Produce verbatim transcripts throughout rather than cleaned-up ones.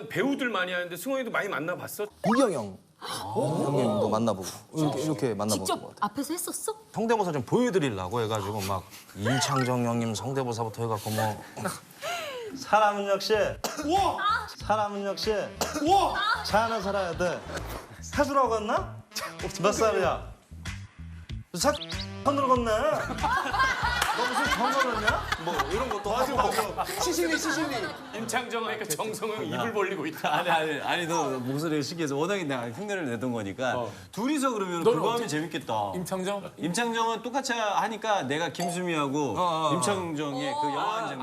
배우들 많이 하는데 승원이도 많이 만나봤어? 이경영 형님도 만나보고 이렇게, 이렇게 만나본 것 직접 같아요. 앞에서 했었어? 성대모사 좀 보여드리려고 해가지고 막 임창정 형님 성대모사부터 해갖고 뭐 사람은 역시 사람은 역시 차 하나 살아야 돼. 사주라고 갔나? 몇 살이야? 사 손으로 걷네. 너 무슨 경험했냐? 뭐 이런 것도 하고 시신이 시신이. 임창정 하니까 정성은 입을 벌리고 있다. 아니 아니 아니 너 목소리가 신기해서 워낙에 내가 흉내를 내던 거니까 둘이서 그러면 그거 하면 재밌겠다. 임창정? 임창정은 똑같이 하니까 내가 김수미하고 임창정의 그 영화한 장면.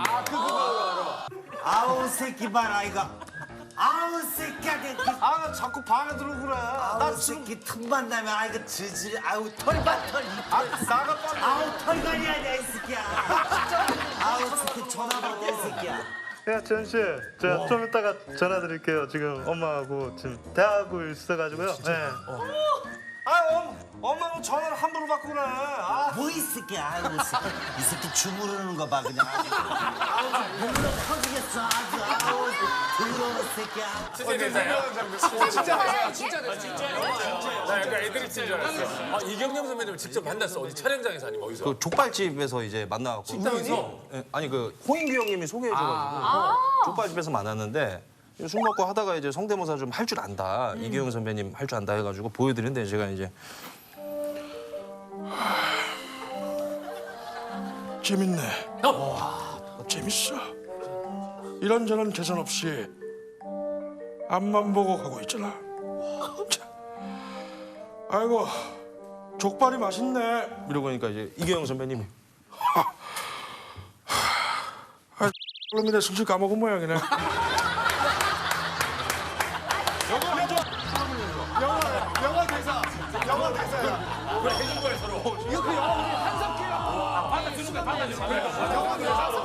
아우 새끼 봐라 이거. 아우 새끼야 내 아 나 자꾸 방에 들어오고 그래. 아우 새끼 틈만 나면 아 이거 지질이 아우 털봐 털 아, 나가 빨리. 아우 털관이야 내 새끼야. 아우 새끼 전화 받아 이 새끼야. 야, 지현 씨, 제가 좀 이따가 전화 드릴게요. 지금 엄마하고 지금 대하고 있어가지고요. 네. 아 엄, 엄마는 전화를 함부로 받고 그래. 아. 뭐 이 새끼야 아이고 이 새끼 이 새끼 주무르는 거 봐 그냥 아주 아우 눈으로 터지겠어 아주 아우 더러운 새끼야. 진짜 대사야? 진짜 대사야? 진짜 대사야? 진짜 영화야. 나 약간 애드립인 줄 알았어. 아, 이경영 선배님을 직접 만났어. 어디 촬영장에서 아니면 어디서? 그 족발집에서 이제 만나갖고 식당에서? 예, 아니 그 호인규 형님이 소개해줘가지고 족발집에서 만났는데 술 먹고 하다가 이제 성대모사 좀 할 줄 안다. 이경영 선배님 할 줄 안다 해가지고 보여드리는데 제가 이제 재밌네. 재밌어. 이런저런 계산 없이 앞만 보고 가고 있잖아. 자, 아이고 족발이 맛있네. 이러고 하니까 이제 이경영 선배님이 아, 그러면 내 술술 까먹은 모양이네. 영화 대사, 영화 대사야. 그래, 해준 거야, 서로. 이거 그 영화 우리 한석규랑 받아주는 거야, 받아주는 거야. 영화 대사.